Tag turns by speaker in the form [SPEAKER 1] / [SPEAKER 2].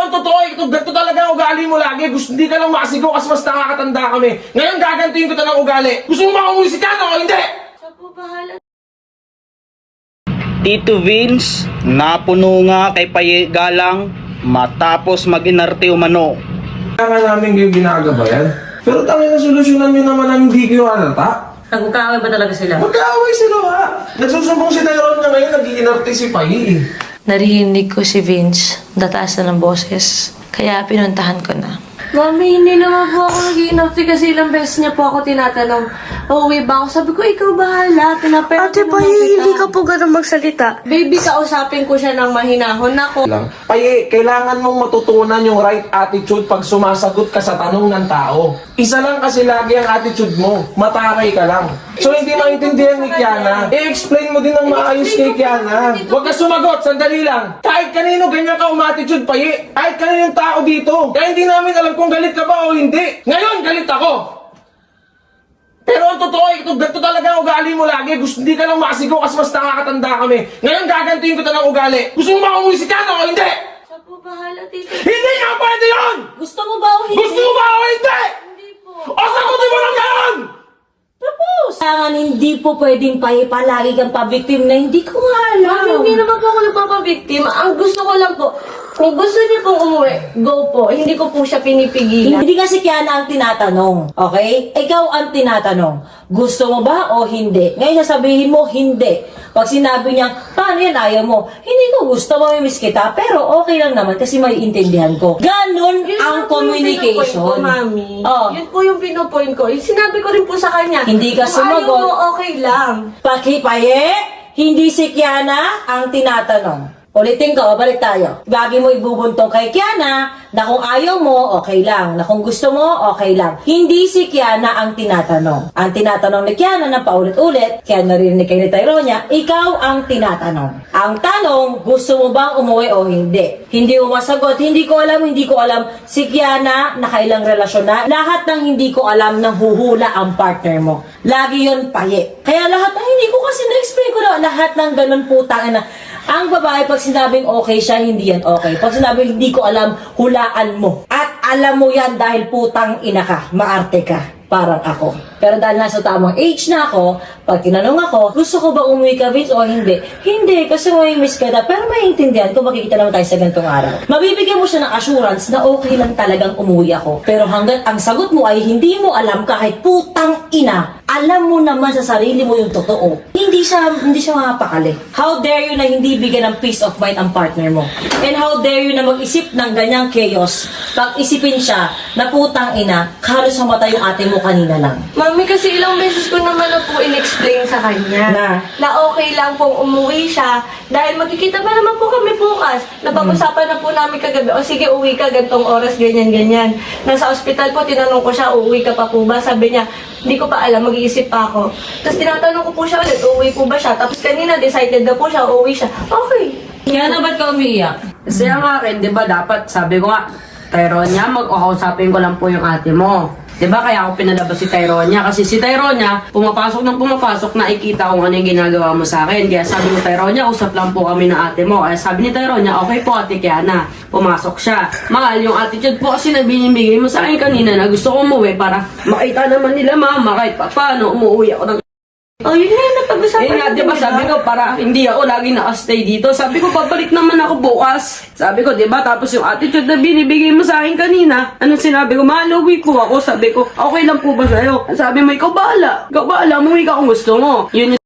[SPEAKER 1] ang totoo, ganito talaga ang ugali mo lagi. Hindi ka lang makasigaw kasi mas nakakatanda kami. Ngayon gagantuin ko ng ugali. Gusto mo makumuwi si Kano o hindi?
[SPEAKER 2] Siya po bahala.
[SPEAKER 3] Tito Vince, napuno nga kay Paye Galang matapos mag-inarte umano.
[SPEAKER 1] Kaya namin kayo ginagabayan. Pero tangin na solusyonan nyo naman ang hindi kayo halata.
[SPEAKER 2] Nagkakaaway ba talaga sila?
[SPEAKER 1] Magkaaway sila ha. Nagsusumbong si Tyrone na ngayon, nag-iinarte si Paye.
[SPEAKER 4] Narinig ko si Vince, dataas na ng boses. Kaya pinuntahan ko na.
[SPEAKER 2] Mami, hindi naman po ako nag-i-inopti kasi ilang beses niya po ako tinatanong, uuwi ba ako? Sabi ko, ikaw bahala.
[SPEAKER 4] Ate Paye, hindi ka po ganun magsalita.
[SPEAKER 2] Baby, kausapin ko siya ng mahinahon ako.
[SPEAKER 1] Paye, kailangan mong matutunan yung right attitude pag sumasagot ka sa tanong ng tao. Isa lang kasi lagi ang attitude mo. Mataray ka lang. So hindi maintindihan ni Kiana. I-explain mo din ng maayos kay Kiana. Huwag ka sumagot, sandali lang. Kahit kanino ganyan ka umatitude, Paye. Kahit kaninong tao dito. Kaya hindi namin alam kung galit ka ba o hindi. Ngayon, galit ako. Pero ang totoo, ganito talaga ang ugali mo lagi. Hindi ka lang makasigaw kasi mas nakakatanda kami. Ngayon gagantuin ko ng ugali. Gusto mo makumuwi si Kano o hindi?
[SPEAKER 2] Siya po bahala, tito.
[SPEAKER 1] Hindi nga pwede yun!
[SPEAKER 2] Gusto mo ba o hindi?
[SPEAKER 1] Gusto mo ba o hindi?
[SPEAKER 2] Hindi po.
[SPEAKER 1] O sagutin mo lang ngayon!
[SPEAKER 2] Tapos! Kaya hindi po pwedeng palagi kang pa-victim na hindi ko nga alam. Mami, hindi naman po ako nagpapabiktim. Ang gusto ko lang po, kung gusto niyo pong umuwi, go po. Hindi ko po siya pinipigilan.
[SPEAKER 5] Hindi kasi Kiana ang tinatanong, okay? Ikaw ang tinatanong. Gusto mo ba o hindi? Ngayon sasabihin mo, hindi. Pag sinabi niya, paano yan, ayaw mo? Hindi ko gusto, mamimiss kita, pero okay lang naman kasi maiintindihan ko. Ganon
[SPEAKER 2] Yun
[SPEAKER 5] ang
[SPEAKER 2] lang po yung
[SPEAKER 5] communication.
[SPEAKER 2] pinupoint ko, Mami.
[SPEAKER 5] Oh.
[SPEAKER 2] Yun po yung pinupoint ko. Sinabi ko rin po sa kanya.
[SPEAKER 5] Hindi ka
[SPEAKER 2] kung ayaw
[SPEAKER 5] sumagot.
[SPEAKER 2] mo, okay lang.
[SPEAKER 5] Pakipaye, hindi si Kiana ang tinatanong. Ulitin ko, balik tayo. Lagi mo ibubuntong kay Kiana na kung ayaw mo, okay lang. Na kung gusto mo, okay lang. Hindi si Kiana ang tinatanong. Ang tinatanong ni Kiana na paulit-ulit, kaya narinig kayo ni Tyronia, ikaw ang tinatanong. Ang tanong, gusto mo bang umuwi o hindi? Hindi mo masagot, hindi ko alam. Si Kiana, nakailang relasyon na. Lahat ng hindi ko alam nang huhula ang partner mo. Lagi yon Paye. Kaya lahat ng hindi ko kasi na-explain ko na lahat ng ganun putang na. Ang babae, pag sinabing okay siya, hindi yan okay. Pag sinabing hindi ko alam, hulaan mo. At alam mo yan dahil putang ina ka, maarte ka. Parang ako. Pero dahil nasa tamang age na ako, pag tinanong ako, gusto ko ba umuwi ka, Vince, o hindi? Hindi, kasi may miss ka na. Pero maiintindihan kung makikita naman tayo sa ganitong araw. Mabibigyan mo siya ng assurance na okay lang talagang umuwi ako. Pero hanggat ang sagot mo ay hindi mo alam kahit putang ina, alam mo naman sa sarili mo yung totoo. Hindi siya mapakali. How dare you na hindi bigyan ng peace of mind ang partner mo? And how dare you na mag-isip ng ganyang chaos? Pag isipin siya na putang ina, halos sa mata yung ate mo kanina lang.
[SPEAKER 2] Mami, kasi ilang beses ko naman na po in-explain sa kanya na okay lang pong umuwi siya dahil magkikita pa naman po kami bukas. Napag-usapan na po namin kagabi, o sige, uwi ka gantong oras, ganyan. Nasa ospital po, tinanong ko siya, uuwi ka pa po ba? Sabi niya, hindi ko pa alam, mag-iisip pa ako. Tapos tinatanong ko po siya ulit, uuwi po ba siya? Tapos kanina, decided na po siya, uuwi siya. Okay.
[SPEAKER 5] Kaya na ba't ka umiiyak?
[SPEAKER 6] Kasi ang akin, di ba dapat, sabi ko nga, Tyronia, mag-ukausapin ko lang po yung ate mo. Di ba kaya ako pinalabas si Tyronia? Kasi si Tyronia, pumapasok nakikita kung ano yung ginagawa mo sa akin. Kaya sabi ko, Tyronia, usap lang po kami ng ate mo. Kaya sabi ni Tyronia, okay po ate Kiana. Pumasok siya. Mahal, yung attitude po kasi na binibigay mo sa akin kanina na gusto ko umuwi para makita naman nila mama kahit pa paano umuwi ako ng...
[SPEAKER 2] Oh, yun na yung napag-usapan
[SPEAKER 6] Eh nga, di ba sabi ko, para hindi ako lagi naka-stay dito. Sabi ko, babalik naman ako bukas. Sabi ko, di ba? Tapos yung attitude na binibigay mo sa akin kanina, anong sinabi ko? Mahal, uwi po ako. Sabi ko, okay lang po ba sa'yo? Sabi mo, ikaw bahala. Umuwi ka kung gusto mo. Yun yung